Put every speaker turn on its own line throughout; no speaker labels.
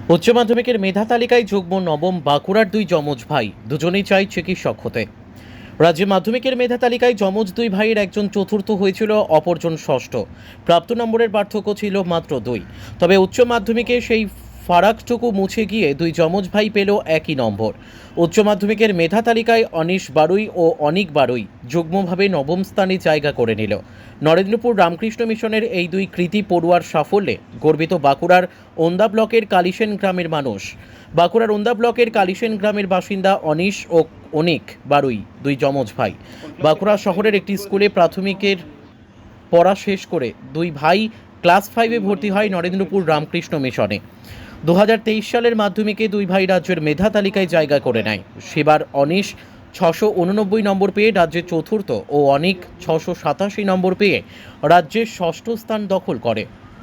উচ্চ মাধ্যমিকের মেধা তালিকায় যুগ্ম নবম বাঁকুড়ার দুই যমজ ভাই, দুজনেই চাই চিকিৎসক হতে। রাজ্যে মাধ্যমিকের মেধা তালিকায় যমজ দুই ভাইয়ের একজন চতুর্থ হয়েছিল, অপরজন ষষ্ঠ। প্রাপ্ত নম্বরের পার্থক্য ছিল মাত্র 2। তবে উচ্চ মাধ্যমিকে সেই ফারাকটুকু মুছে গিয়ে দুই যমজ ভাই পেল একই নম্বর। উচ্চ মাধ্যমিকের মেধা তালিকায় অনিশ বারুই ও অনিক বারুই যুগ্মভাবে নবম স্থানে জায়গা করে নিল। নরেন্দ্রপুর রামকৃষ্ণ মিশনের এই দুই কৃতী পড়ুয়ার সাফল্যে গর্বিত বাঁকুড়ার ওন্দা ব্লকের কালিসেন গ্রামের মানুষ। বাঁকুড়ার ওন্দা ব্লকের কালিসেন গ্রামের বাসিন্দা অনিশ ও অনিক বারুই দুই যমজ ভাই। বাঁকুড়া শহরের একটি স্কুলে প্রাথমিকের পড়া শেষ করে দুই ভাই ক্লাস 5-এ ভর্তি হয় নরেন্দ্রপুর রামকৃষ্ণ মিশনে। 2023 সালের মাধ্যমিকে দুই ভাই রাজ্যের মেধা তালিকায় জায়গা করে নেয়। সেবার অনিশ 689 নম্বর পেয়ে রাজ্যের চতুর্থ ও অনিক 687 নম্বর পেয়ে রাজ্যের ষষ্ঠ স্থান দখল করে।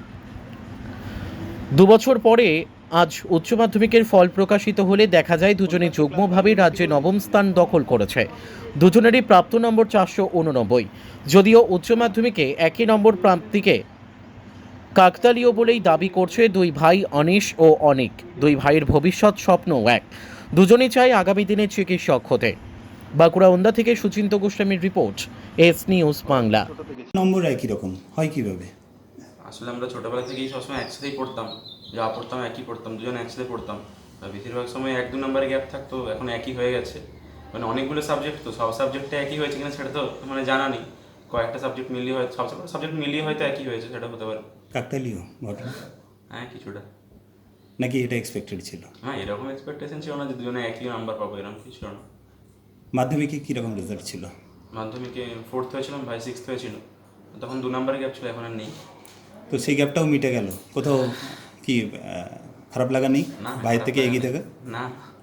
দুবছর পরে আজ উচ্চ মাধ্যমিকের ফল প্রকাশিত হলে দেখা যায় দুজনে যুগ্মভাবে রাজ্যে নবম স্থান দখল করেছে। দুজনেরই প্রাপ্ত নম্বর 489। যদিও উচ্চ মাধ্যমিকে একই নম্বর প্রাপ্তিকে কাকতালীয় বলেই দাবি করছে দুই ভাই অনিশ ও অনিক। দুই ভাইয়ের ভবিষ্যৎ স্বপ্নও এক, দুজনেই চায় আগামী দিনে চিকিৎসক হতে। বাঁকুড়া ওন্দা থেকে সুচিন্ত গোস্বামীর রিপোর্ট, এস নিউজ বাংলা।
নম্বর একই রকম হয় কিভাবে?
আসলে আমরা ছোটোবেলা থেকেই সবসময় একসাথেই পড়তাম, যা পড়তাম একই পড়তাম, দুজন একসাথে পড়তাম। আর বেশিরভাগ সময় 1-2 নম্বরে গ্যাপ থাকতো, এখন একই হয়ে গেছে। মানে অনেকগুলো সাবজেক্ট, তো সব সাবজেক্টে একই হয়েছে কিনা সেটা তো মানে জানা নেই। কয়েকটা সাবজেক্ট মিলিয়ে হয়তো, সব সাবজেক্ট মিলিয়ে হয়তো একই হয়েছে, সেটা হতে পারে।
কাকতালীয় ঘটনা
হ্যাঁ, কিছুটা।
নাকি এটা এক্সপেক্টেড ছিল?
হ্যাঁ, এরকম এক্সপেকটেশন ছিল না যে দুজনে একই নাম্বার পাবো, এরকম কিছু ছিল না।
মাধ্যমিকে কীরকম রেজাল্ট ছিল?
মাধ্যমিকে 4th হয়েছিলাম, ভাই 6th হয়েছিল। তখন 2 নম্বরের গ্যাপ ছিল, এখন আর নেই।
তো সেই গ্যাপটাও মিটে গেল, কোথাও কি খারাপ লাগা নেই
না,
ভাইয়ের থেকে এগিয়ে থাকে?
না।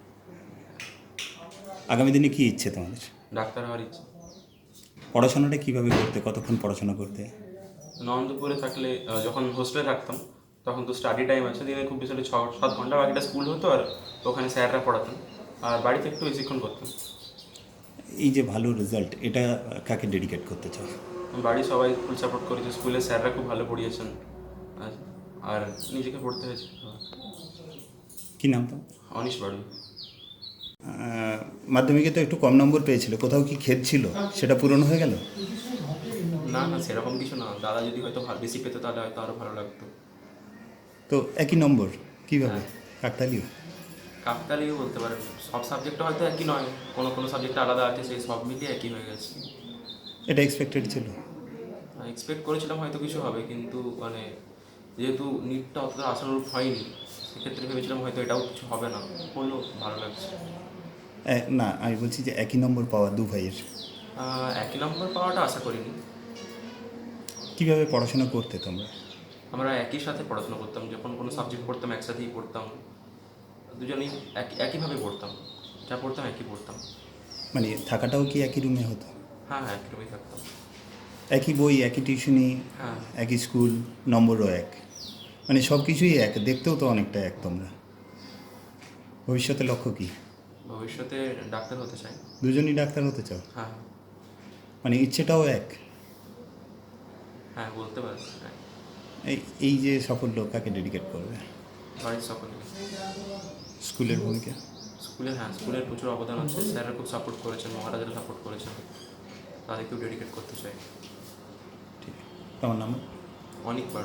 আগামী দিনে কী ইচ্ছে তোমাদের?
ডাক্তার হওয়ার ইচ্ছে।
পড়াশোনাটা কীভাবে করতে, কতক্ষণ পড়াশোনা করতে?
নন্দপুরে থাকলে যখন হোস্টেলে থাকতাম তখন তো স্টাডি টাইম আছে, দিনে খুব বেশি হলে 6-7 ঘন্টা, বাকিটা স্কুল হতো আর ওখানে স্যাররা পড়াতেন, আর বাড়িতে একটু বেশিক্ষণ করতাম।
এই যে ভালো রেজাল্ট, এটা কাকে ডেডিকেট করতে চাও?
বাড়ি সবাই ফুল সাপোর্ট করেছে, স্কুলের স্যাররা খুব ভালো পড়িয়েছেন, আর আর নিজেকে পড়তে হয়েছে।
কী নাম তো?
অনিশ বাড়ি।
মাধ্যমিকে তো একটু কম নম্বর পেয়েছিল, কোথাও কি খেদ ছিল, সেটা পূরণ হয়ে গেল?
না না, সেরকম কিছু না। দাদা যদি হয়তো বেশি পেতো তাহলে হয়তো আরও ভালো লাগতো।
তো একই নম্বর কীভাবে? কাকতালীয়?
কাকতালীয় বলতে পারেন, সব সাবজেক্টটা হয়তো একই নয়, কোনো কোনো সাবজেক্ট আলাদা আছে, সেই সব মিলিয়ে একই হয়ে গেছে।
এটা এক্সপেক্টেড ছিল?
এক্সপেক্ট করেছিলাম হয়তো কিছু হবে, কিন্তু মানে যেহেতু নিটটা অতটা আশানুরূপ হয়নি, সেক্ষেত্রে ভেবেছিলাম হয়তো এটাও কিছু হবে না, হলো, ভালো লাগছে।
না, আমি বলছি যে একই নম্বর পাওয়া দু ভাইয়ের,
একই নম্বর পাওয়াটা আশা করিনি।
কীভাবে পড়াশোনা করতে তোমরা?
আমরা একই সাথে পড়াশোনা করতাম, যখন কোনো সাবজেক্ট পড়তাম একসাথেই পড়তাম, দুজনেই একইভাবে পড়তাম, যা পড়তাম একই পড়তাম।
মানে থাকাটাও কি একই রুমে হতো?
হ্যাঁ হ্যাঁ, একই রুমেই থাকতাম।
একই বই, একই টিউশনি,
হ্যাঁ।
একই স্কুল, নম্বরও এক, মানে সব কিছুই এক, দেখতেও তো অনেকটা এক। তোমরা ভবিষ্যতে লক্ষ্য কি?
ভবিষ্যতে ডাক্তার হতে চাই।
দুজনই ডাক্তার হতে চাও?
হ্যাঁ
মানে ইচ্ছেটাও এক?
হ্যাঁ, বলতে পারি। হ্যাঁ,
এই এই যে সাফল্য কাকে ডেডিকেট করবে?
বাড়ির সকলে।
স্কুলের ভূমিকা?
স্কুলে, হ্যাঁ, স্কুলের প্রচুর অবদান আছে, স্যাররা খুব সাপোর্ট করেছেন, মহারাজারা সাপোর্ট করেছেন, তাদেরকেও ডেডিকেট করতে চাই।
ঠিক। তোমার নাম?
অনেক বাড়ি।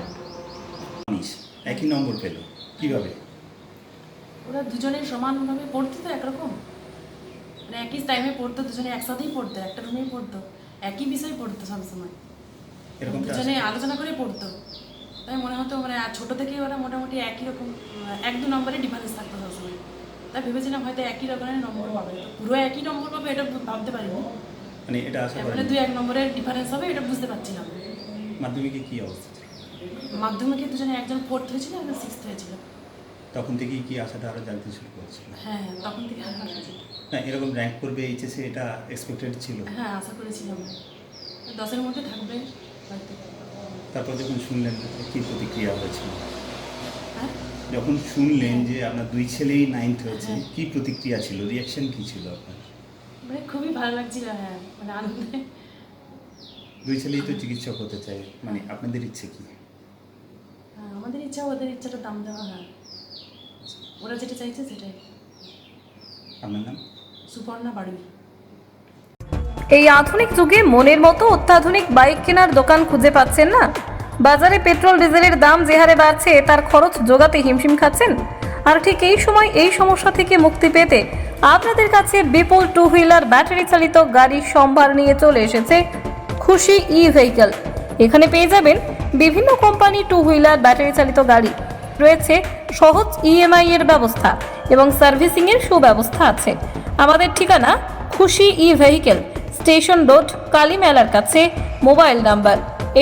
একই নম্বর পেল কীভাবে?
ওরা দুজনে সমানভাবে পড়তো তো একরকম, মানে একই টাইমে পড়তো, দুজনে একসাথেই পড়তো, একটা রুমেই পড়তো, একই বিষয় পড়তো সবসময়,
এরকম
দুজনে আলোচনা করে পড়তো। তাই মনে হতো মানে ছোটো থেকেই ওরা মোটামুটি একই রকম 1-2 নম্বরে ডিফারেন্স থাকতো সবসময়। তাই ভেবেছিলাম হয়তো একই রকমের নম্বর পাবে, তো পুরো একই নম্বর পাবে এটা ভাবতে পারিনি,
মানে এটা আশা
মানে
করি।
2-1 নম্বরের ডিফারেন্স হবে এটা বুঝতে পারছিলাম।
মাধ্যমিকে কী অবস্থা ছিল?
মাধ্যমিকে দুজনে একজন 4th হয়েছিল, একজন 6th হয়েছিল।
তখন থেকেই কি আশাটা আরও জানতে শুরু করেছিল?
হ্যাঁ হ্যাঁ, তখন থেকে আশা করেছিলাম।
না, এরকম র্যাঙ্ক করবে এইচএসে, এটা এক্সপেক্টেড ছিল?
হ্যাঁ, আশা করেছিলাম 10-এর মধ্যে থাকবে হয়তো।
তারপর যখন শুনলেন কী প্রতিক্রিয়া হয়েছিল?
হ্যাঁ,
যখন শুনলেন যে আপনার দুই ছেলেই 9th হয়েছে,
হ্যাঁ।
কী প্রতিক্রিয়া ছিল, রিয়াকশন কী ছিল আপনার?
মানে খুবই ভালো লাগছিল, হ্যাঁ, মানে আনন্দে।
দুই ছেলেই তো চিকিৎসক হতে চায়, মানে আপনাদের ইচ্ছে কী?
হ্যাঁ, আমাদের ইচ্ছা ওদের ইচ্ছাটা দাম দেওয়া, হ্যাঁ। ওরা যেটা চাইছে সেটাই।
আপনার নাম?
সুপর্ণা বাড়ুই।
এই আধুনিক যুগে মনের মতো অত্যাধুনিক বাইক কেনার দোকান খুঁজে পাচ্ছেন না? বাজারে পেট্রোল ডিজেলের দাম যে হারে বাড়ছে তার খরচ জোগাতে হিমশিম খাচ্ছেন। আর ঠিক এই সময় এই সমস্যা থেকে মুক্তি পেতে আপনাদের কাছে বিপুল টু হুইলার ব্যাটারি চালিত গাড়ির সম্ভার নিয়ে চলে এসেছে খুশি ই ভেহিকল। এখানে পেয়ে যাবেন বিভিন্ন কোম্পানি টু হুইলার ব্যাটারি চালিত গাড়ি, রয়েছে সহজ ইএমআই এর ব্যবস্থা এবং সার্ভিসিং এর সুব্যবস্থা আছে। আমাদের ঠিকানা Khushi e vehicle, station road, Kali মেলার কাছে। মোবাইল নাম্বার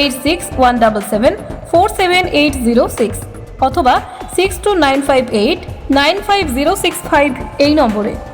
8617747806 অথবা 6295895065 এই নম্বরে।